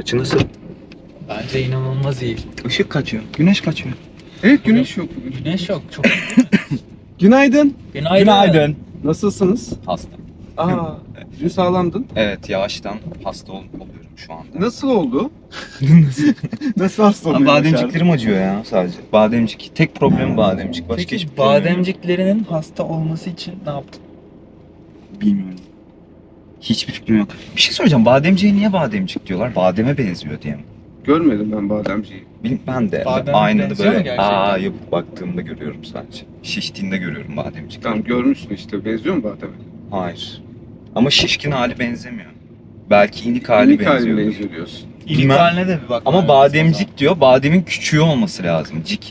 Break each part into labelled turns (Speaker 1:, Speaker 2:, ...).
Speaker 1: Açı nasıl?
Speaker 2: Bence inanılmaz iyi.
Speaker 1: Işık kaçıyor. Güneş kaçıyor.
Speaker 3: Evet, güneş yok bugün.
Speaker 2: Güneş yok. Çok
Speaker 3: Günaydın.
Speaker 2: Günaydın.
Speaker 3: Nasılsınız?
Speaker 1: Hasta.
Speaker 3: Aa, dün sağlamdın.
Speaker 1: Evet, yavaştan hasta oluyorum şu anda.
Speaker 3: Nasıl oldu? Nasıl hasta oldun?
Speaker 1: Bademciklerim acıyor ya sadece. Bademcik. Tek problem bademcik. Başka
Speaker 2: Peki
Speaker 1: hiçbir problem yok.
Speaker 2: bademciklerinin hasta olması için ne yaptın?
Speaker 1: Bilmiyorum. Hiçbir fikrim yok. Bir şey soracağım. Bademciğe niye bademcik diyorlar? Bademe benziyor diye mi?
Speaker 3: Görmedim ben bademciyi.
Speaker 1: Ben de
Speaker 2: Bademe
Speaker 1: aynada
Speaker 2: benziyor mu
Speaker 1: böyle
Speaker 2: gerçekten?
Speaker 1: yapıp baktığımda görüyorum sadece. Şiştiğinde görüyorum bademcik.
Speaker 3: Tamam, görmüşsün işte. Benziyor mu bademe?
Speaker 1: Hayır. Ama şişkin hali benzemiyor. Belki inik hali
Speaker 3: İlk haline
Speaker 1: benziyor.
Speaker 3: benziyor diyorsun.
Speaker 2: İlk
Speaker 1: Bilmem.
Speaker 2: haline de bir bak.
Speaker 1: Ama bademcik diyor. Bademin küçüğü olması lazım. Cik.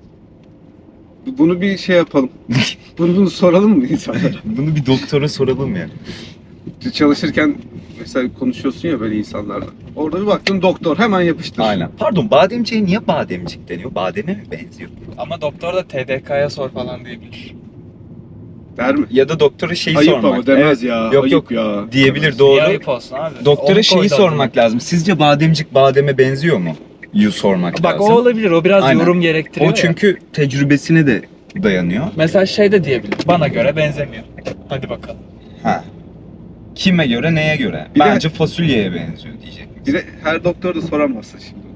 Speaker 3: Bunu bir şey yapalım. bunu soralım mı insanlara?
Speaker 1: Bunu bir doktora soralım ya.
Speaker 3: Çalışırken mesela konuşuyorsun ya böyle insanlarla. Orada bir baktın doktor hemen yapıştır.
Speaker 1: Aynen. Pardon, bademciğe niye bademcik deniyor? Bademe mi benziyor?
Speaker 2: Ama doktor da TDK'ya sor falan diyebilir.
Speaker 3: Der mi?
Speaker 1: Ya da doktora şeyi
Speaker 3: Ayıp
Speaker 1: sormak.
Speaker 3: ama demez
Speaker 1: Evet,
Speaker 3: ya.
Speaker 1: Yok,
Speaker 3: ayıp
Speaker 1: yok.
Speaker 3: ya.
Speaker 1: diyebilir
Speaker 2: Niye
Speaker 1: doğru.
Speaker 2: ayıp olsun abi?
Speaker 1: Doktora
Speaker 2: Onu
Speaker 1: şeyi
Speaker 2: koydu
Speaker 1: sormak
Speaker 2: adına.
Speaker 1: lazım. Sizce bademcik bademe benziyor mu? Yu sormak
Speaker 2: Bak
Speaker 1: lazım.
Speaker 2: o olabilir. O biraz
Speaker 1: Aynen.
Speaker 2: yorum gerektiriyor
Speaker 1: O çünkü tecrübesine de dayanıyor.
Speaker 2: Mesela şey de diyebilir. Bana göre benzemiyor. Hadi bakalım.
Speaker 1: Ha. Kime göre, neye göre?
Speaker 3: Bir de-
Speaker 1: Bence fasulyeye benziyor diyecek.
Speaker 3: Bir de her doktor da soramazsın şimdi.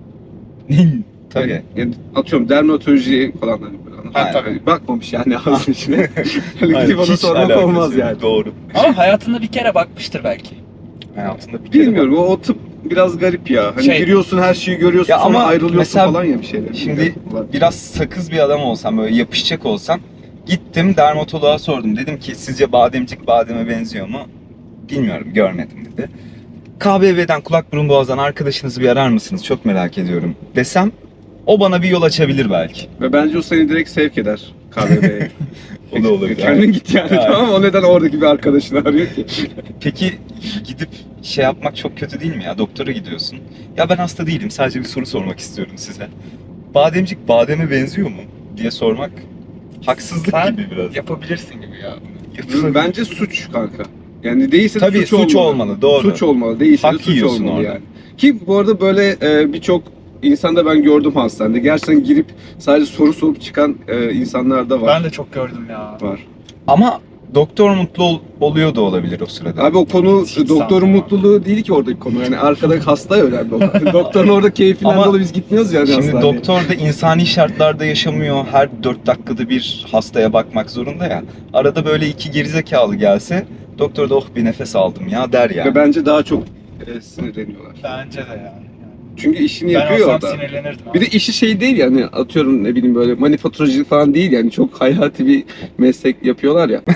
Speaker 1: Tabii.
Speaker 3: Yani atıyorum dermatoloji falan hani böyle.
Speaker 2: Ha, tabii.
Speaker 3: Bakmamış yani ağzının içine. Hani
Speaker 1: Hayır,
Speaker 3: gidip ona
Speaker 1: hiç
Speaker 3: sormak
Speaker 1: alakası
Speaker 3: olmaz
Speaker 1: yok.
Speaker 3: yani.
Speaker 1: Doğru.
Speaker 2: Ama hayatında bir kere bakmıştır belki.
Speaker 1: Hayatında bir kere
Speaker 3: Bilmiyorum, o tıp biraz garip ya. Hani
Speaker 2: Şey-
Speaker 3: giriyorsun, her şeyi görüyorsun,
Speaker 1: Ya
Speaker 3: sonra
Speaker 1: ama
Speaker 3: ayrılıyorsun
Speaker 1: mesela
Speaker 3: falan ya bir şeyler.
Speaker 1: şimdi biraz sakız bir adam olsam, böyle yapışacak olsam, gittim dermatoloğa sordum. Dedim ki sizce bademcik bademe benziyor mu? Bilmiyorum, görmedim dedi. KBV'den, kulak burun boğazdan arkadaşınızı bir arar mısınız? Çok merak ediyorum desem, o bana bir yol açabilir belki.
Speaker 3: Ve bence o seni direkt sevk eder KBB'ye.
Speaker 1: O da olabilir.
Speaker 3: Kendin git yani,
Speaker 1: Evet.
Speaker 3: tamam mı? O neden oradaki bir arkadaşını arıyor ki?
Speaker 1: Peki gidip şey yapmak çok kötü değil mi ya? Doktora gidiyorsun. Ya ben hasta değilim, sadece bir soru sormak istiyorum size. Bademcik bademe benziyor mu diye sormak haksızlık
Speaker 2: Sen
Speaker 1: gibi biraz.
Speaker 2: yapabilirsin gibi ya.
Speaker 1: Yapılabilir.
Speaker 3: Bence suç kanka. Yani değilse de
Speaker 1: Tabii, suç olmalı, doğru.
Speaker 3: Suç olmalı, değilse de
Speaker 1: Hak
Speaker 3: suç
Speaker 1: yiyorsun
Speaker 3: olmalı
Speaker 1: orada.
Speaker 3: yani. Ki bu arada böyle birçok insanda ben gördüm hastanede. Gerçekten girip sadece soru sorup çıkan insanlar da var.
Speaker 2: Ben de çok gördüm ya.
Speaker 3: Var.
Speaker 1: Ama doktor mutlu oluyor da olabilir o sırada.
Speaker 3: Abi o konu
Speaker 2: Hiç
Speaker 3: doktorun
Speaker 2: sanmıyorum.
Speaker 3: mutluluğu değil ki oradaki konu. Yani arkadaki hasta önemli olan. Doktorun orada keyfinden
Speaker 1: Ama
Speaker 3: dolayı biz gitmiyoruz yani
Speaker 1: Şimdi
Speaker 3: hastaneye.
Speaker 1: doktor da insani şartlarda yaşamıyor. Her 4 dakikada bir hastaya bakmak zorunda ya. Arada böyle iki gerizekalı gelse, doktor da oh bir nefes aldım ya der yani.
Speaker 3: Ve bence daha çok sinirleniyorlar.
Speaker 2: Bence de yani.
Speaker 3: Çünkü işini
Speaker 2: Ben
Speaker 3: yapıyor
Speaker 2: olsam
Speaker 3: orada.
Speaker 2: sinirlenirdim.
Speaker 3: Bir de işi şey değil yani, atıyorum ne bileyim böyle manifaturacılık falan değil yani, çok hayati bir meslek yapıyorlar ya.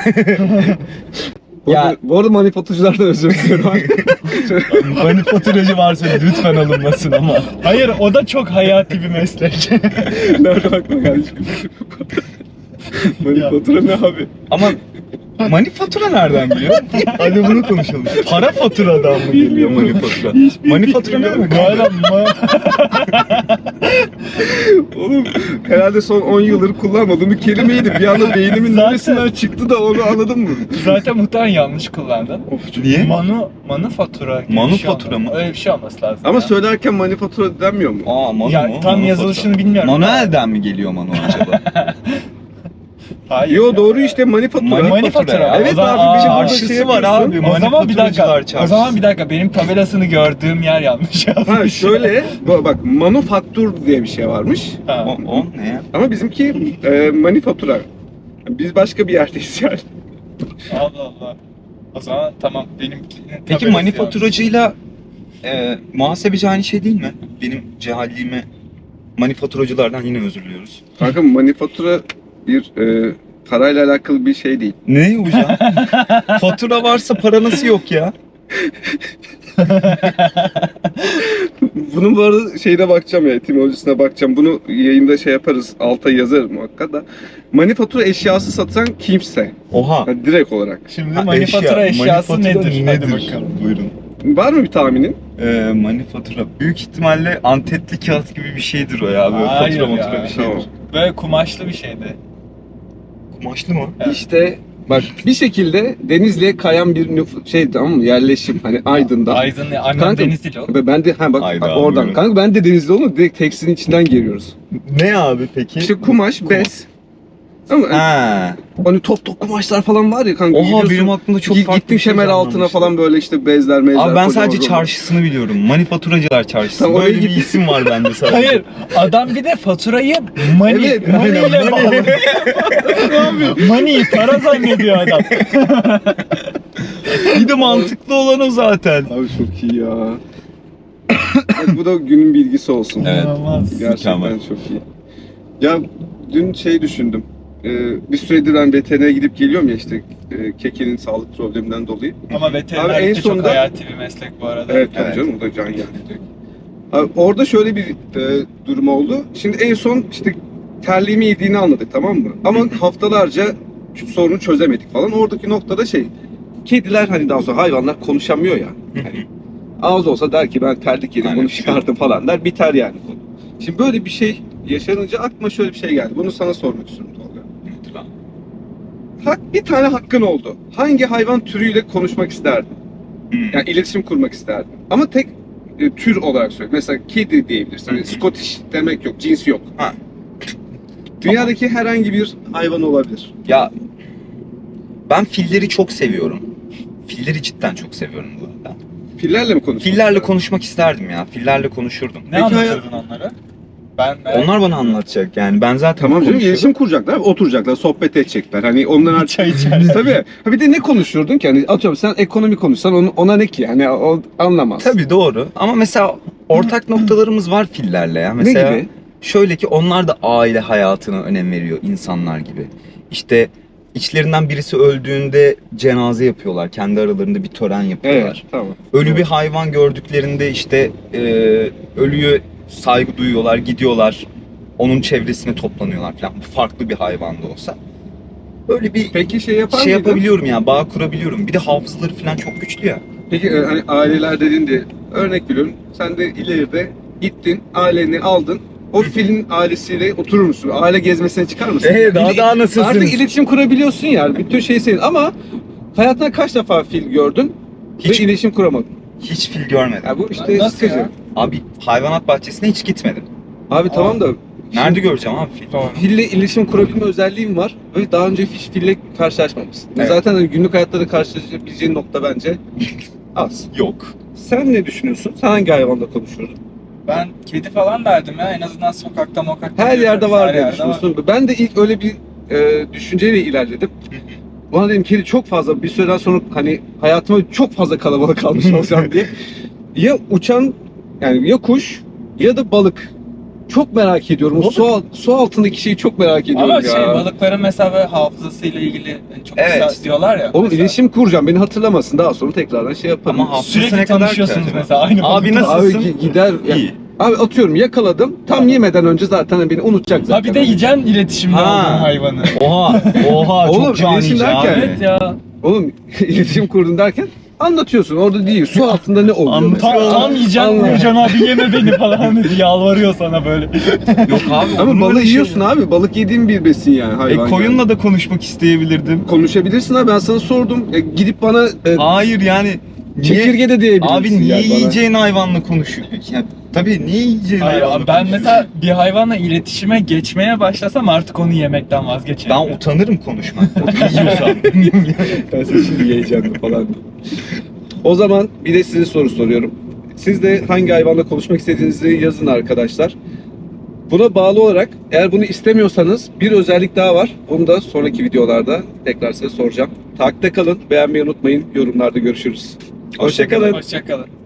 Speaker 1: Ya-
Speaker 3: Bu arada manifaturacılar da özür diliyorum.
Speaker 1: Manifaturacı varsa lütfen alınmasın ama.
Speaker 2: Hayır, o da çok hayati bir meslek.
Speaker 3: Nerede bakma kardeşim. Manifatura ne abi?
Speaker 1: Ama manifatura nereden geliyor? Hadi bunu konuşalım. Para faturadan mı geliyor manifatura? Manifatura ne demek?
Speaker 3: Oğlum herhalde son 10 yıldır kullanmadığım bir kelimeydi. Bir anda beynimin
Speaker 2: Zaten-
Speaker 3: neresinden çıktı da onu anladın mı?
Speaker 2: Zaten muhtemelen yanlış kullandın.
Speaker 1: Niye?
Speaker 2: Manufatura gibi
Speaker 1: Manufatura
Speaker 2: bir şey
Speaker 1: mı?
Speaker 2: Öyle bir şey olması lazım.
Speaker 3: Ama
Speaker 2: ya.
Speaker 3: söylerken manifatura denmiyor mu?
Speaker 1: Aa, manu
Speaker 2: Ya
Speaker 1: mu?
Speaker 2: tam
Speaker 1: Manufatura.
Speaker 2: yazılışını bilmiyorum.
Speaker 1: Manuel'den mi geliyor manu acaba?
Speaker 2: Hayır.
Speaker 3: Yo
Speaker 2: ya.
Speaker 3: doğru işte manifatura.
Speaker 2: Manifatura.
Speaker 1: ya.
Speaker 3: Evet
Speaker 2: O zaman-
Speaker 3: abi, bir
Speaker 2: Aa,
Speaker 3: burada
Speaker 1: çarşısı
Speaker 3: şey
Speaker 1: var
Speaker 3: yapıyorsun.
Speaker 1: abi.
Speaker 2: O zaman bir dakika.
Speaker 1: Manifaturacılar
Speaker 2: O
Speaker 1: çarşısı.
Speaker 2: zaman bir dakika. Benim tabelasını gördüğüm yer yanlış yazmış.
Speaker 3: Ha şöyle bak, manufaktur diye bir şey varmış.
Speaker 2: Ha.
Speaker 1: O ne ya?
Speaker 3: Ama bizimki manifatura. Biz başka bir yerdeyiz yani.
Speaker 2: Allah Allah. O zaman tamam benim.
Speaker 1: Peki manifaturacıyla muhasebeci aynı şey değil mi? Benim cehalliğime manifaturacılardan yine özür diliyoruz.
Speaker 3: Kanka manifatura bir parayla alakalı bir şey değil.
Speaker 1: Ne hocam? Fatura varsa para nasıl yok ya?
Speaker 3: Bunun bu arada şeyine bakacağım ya, etimolojisine bakacağım. Bunu yayında şey yaparız, alta yazarım muhakkak da. Manifatura eşyası satan kimse.
Speaker 1: Oha.
Speaker 3: Yani direkt olarak.
Speaker 2: Şimdi
Speaker 1: Ha,
Speaker 2: manifatura eşyası
Speaker 1: manifatura
Speaker 2: nedir? Hadi bakalım.
Speaker 1: Buyurun.
Speaker 3: Var mı bir tahminin?
Speaker 1: Manifatura. Büyük ihtimalle antetli kağıt gibi bir şeydir o ya. Böyle
Speaker 2: Hayır
Speaker 1: fatura
Speaker 2: ya.
Speaker 1: matura bir şeydir.
Speaker 3: Tamam.
Speaker 2: Böyle kumaşlı bir şeydi.
Speaker 1: Kumaşlı mı?
Speaker 2: Evet.
Speaker 3: İşte Bak bir şekilde Denizli'ye kayan bir şey, tamam mı? Yerleşim hani Aydın'da.
Speaker 2: Aydın annem
Speaker 3: Kanka,
Speaker 2: Denizli oğlum.
Speaker 3: Ve ben de bak
Speaker 1: Hayda,
Speaker 3: oradan.
Speaker 1: buyurun.
Speaker 3: Kanka ben de Denizli oldum. Direkt tekstilin içinden geliyoruz.
Speaker 1: Ne abi peki?
Speaker 3: İşte kumaş, bez. Ama
Speaker 1: Ha.
Speaker 3: hani top kumaşlar falan var ya kanka.
Speaker 1: Oha
Speaker 3: gidiyorsun,
Speaker 1: benim aklımda çok farklı
Speaker 3: gittim
Speaker 1: bir şey
Speaker 3: kemer altına
Speaker 1: canlanmıştı.
Speaker 3: falan böyle işte bezler mezler.
Speaker 1: Abi ben
Speaker 3: kocaman
Speaker 1: sadece
Speaker 3: kocaman.
Speaker 1: çarşısını biliyorum. Manifaturacılar çarşısı.
Speaker 3: Tamam, oraya
Speaker 1: Böyle bir
Speaker 3: git.
Speaker 1: isim var bende sadece.
Speaker 2: Hayır, adam bir de faturayı money,
Speaker 3: Evet,
Speaker 2: money
Speaker 3: aynen,
Speaker 2: ile
Speaker 3: money.
Speaker 2: bağlı. Money, para zannediyor adam.
Speaker 1: Bir de mantıklı olan o zaten.
Speaker 3: Abi çok iyi ya. Bak, bu da günün bilgisi olsun.
Speaker 1: Evet.
Speaker 2: İnanılmaz.
Speaker 3: Gerçekten
Speaker 1: Mükemmel.
Speaker 3: çok iyi. Ya dün şey düşündüm. Bir süredir ben veterinere gidip geliyorum ya işte Keke'nin sağlık probleminden dolayı.
Speaker 2: Ama
Speaker 3: Abi en
Speaker 2: veterinerlik de çok
Speaker 3: sonunda-
Speaker 2: hayati bir meslek bu arada.
Speaker 3: Evet tabii
Speaker 1: Evet.
Speaker 3: canım, o da can yani. Abi, orada şöyle bir durum oldu. Şimdi en son işte terliğimi yediğini anladık, tamam mı? Ama haftalarca şu sorunu çözemedik falan. Oradaki noktada şey, kediler hani daha sonra hayvanlar konuşamıyor ya. Hani ağız olsa der ki ben terlik yedim,
Speaker 1: Aynen.
Speaker 3: bunu çıkardım falan der, biter yani konu. Şimdi böyle bir şey yaşanınca aklıma şöyle bir şey geldi. Bunu sana sormak istiyorum Tolga. Bir tane hakkın oldu. Hangi hayvan türüyle konuşmak isterdin? Yani iletişim kurmak isterdin. Ama tek tür olarak söyle. Mesela kedi diyebilirsin. Hani Scottish demek yok, cins yok.
Speaker 1: Ha.
Speaker 3: Dünyadaki herhangi bir hayvan olabilir.
Speaker 1: Ya ben filleri çok seviyorum. Filleri cidden çok seviyorum bu arada.
Speaker 3: Fillerle mi konuşmak
Speaker 1: Fillerle
Speaker 3: isterdin?
Speaker 1: konuşmak isterdim ya. Fillerle konuşurdum.
Speaker 2: Ne
Speaker 3: Peki
Speaker 2: anlatırdın onlara? Ben
Speaker 1: Onlar bana anlatacak yani. Ben zaten
Speaker 3: Tamam canım,
Speaker 1: konuşuyorum.
Speaker 3: iletişim kuracaklar, oturacaklar, sohbet edecekler. Hani ondan artık...
Speaker 2: çay içer.
Speaker 3: Tabii. Ha bir de ne konuşurdun ki? Hani atıyorum sen ekonomi konuşsan ona ne ki? Hani o anlamaz.
Speaker 1: Tabii doğru. Ama mesela ortak noktalarımız var fillerle ya. Mesela
Speaker 3: Ne gibi?
Speaker 1: şöyle ki onlar da aile hayatına önem veriyor insanlar gibi. İşte içlerinden birisi öldüğünde cenaze yapıyorlar. Kendi aralarında bir tören
Speaker 3: Evet,
Speaker 1: yapıyorlar.
Speaker 3: tamam.
Speaker 1: Ölü bir hayvan gördüklerinde işte ölüye saygı duyuyorlar, gidiyorlar. Onun çevresine toplanıyorlar falan. Bu farklı bir hayvan da olsa. Böyle bir
Speaker 3: Peki şey yapar
Speaker 1: şey
Speaker 3: mıydın?
Speaker 1: yapabiliyorum ya, bağ kurabiliyorum. Bir de hafızaları falan çok güçlü ya.
Speaker 3: Peki hani aileler dediğinde örnek veriyorum. Sen de ileride gittin, aileni aldın. O filin ailesiyle oturur musun? Aile gezmesine çıkar mısın?
Speaker 1: daha nasılsınız?
Speaker 3: Artık iletişim kurabiliyorsun ya. Bütün şey senin ama hayatında kaç defa fil gördün
Speaker 1: Hiç-
Speaker 3: ve iletişim kuramadın?
Speaker 1: Hiç fil görmedim.
Speaker 3: Ya bu işte
Speaker 2: Nasıl
Speaker 3: sıkıcı.
Speaker 2: ya?
Speaker 1: Abi hayvanat bahçesine hiç gitmedim.
Speaker 3: Abi tamam da
Speaker 1: Nerede göreceğim abi fil?
Speaker 3: fille iletişim kurabilme özelliğim var ve daha önce hiç fille karşılaşmamışsın.
Speaker 1: Evet.
Speaker 3: Zaten hani günlük hayatta da karşılaşabileceğin nokta bence az.
Speaker 1: Yok.
Speaker 3: Sen ne düşünüyorsun? Sen hangi hayvanla konuşurdun?
Speaker 2: Ben kedi falan derdim ya. En azından sokakta mokakta.
Speaker 3: Her yerde var
Speaker 2: Her
Speaker 3: diye
Speaker 2: yerde
Speaker 3: düşünüyorsun. Ben de ilk öyle bir düşünceyle ilerledim. Bana dedim kedi çok fazla bir süreden sonra hani hayatıma çok fazla kalabalık kalmış olacağım diye. Ya uçan yani ya kuş ya da balık. Çok merak ediyorum. O su altındaki şeyi çok merak ediyorum
Speaker 2: Ama
Speaker 3: ya.
Speaker 2: şey balıkların mesela böyle hafızasıyla ilgili çok
Speaker 1: Evet.
Speaker 2: güzel diyorlar ya.
Speaker 3: Oğlum
Speaker 2: mesela.
Speaker 3: iletişim kuracağım. Beni hatırlamasın. Daha sonra tekrardan şey yaparım.
Speaker 1: Ama hafızası
Speaker 2: Sürekli
Speaker 1: ne kadar
Speaker 2: tanışıyorsunuz
Speaker 1: ki acaba?
Speaker 2: mesela aynı
Speaker 1: Abi
Speaker 2: balıkla.
Speaker 1: nasıl-
Speaker 3: Abi gider. Ya,
Speaker 1: İyi.
Speaker 3: abi atıyorum yakaladım. Tam yemeden önce zaten beni unutacak zaten.
Speaker 2: Ha bir de yiyeceksin iletişimde
Speaker 1: Ha.
Speaker 2: olduğun hayvanı.
Speaker 1: Oha
Speaker 3: Oğlum,
Speaker 1: çok canice
Speaker 3: iletişim derken-
Speaker 1: abi.
Speaker 2: Evet ya.
Speaker 3: Oğlum iletişim kurdun derken anlatıyorsun. Orada değil. Su altında ne oluyor?
Speaker 1: Anlatıyor.
Speaker 3: mesela?
Speaker 2: Tam yiyeceksin
Speaker 3: Allah.
Speaker 2: Nurcan abi yeme beni falan diye yalvarıyor sana böyle.
Speaker 1: Yok abi.
Speaker 3: Ama
Speaker 1: olur
Speaker 3: balığı
Speaker 1: öyle şey
Speaker 3: yiyorsun
Speaker 1: ya.
Speaker 3: abi. Balık yediğin bir besin yani hayvan.
Speaker 1: Koyunla da konuşmak isteyebilirdim.
Speaker 3: yani. Konuşabilirsin abi. Ben sana sordum. Gidip bana
Speaker 1: Hayır yani. Niye,
Speaker 3: çekirge de diyebilirsin.
Speaker 1: abi niye
Speaker 3: yani bana.
Speaker 1: yiyeceğin hayvanla konuşuyor? Ya, tabii niye yiyeceğin
Speaker 2: Hayır,
Speaker 1: hayvanla
Speaker 2: ben
Speaker 1: konuşuyorsun?
Speaker 2: mesela bir hayvanla iletişime geçmeye başlasam artık onu yemekten vazgeçerim.
Speaker 1: Ben utanırım konuşmaktan. Yiyorsam.
Speaker 3: Ben seni şimdi yiyeceğim falan. O zaman bir de size soru soruyorum. Siz de hangi hayvanla konuşmak istediğinizi yazın arkadaşlar. Buna bağlı olarak eğer bunu istemiyorsanız bir özellik daha var. Onu da sonraki videolarda tekrar size soracağım. Takipte kalın, beğenmeyi unutmayın. Yorumlarda görüşürüz. Hoşça kalın.
Speaker 2: Hoşçakalın.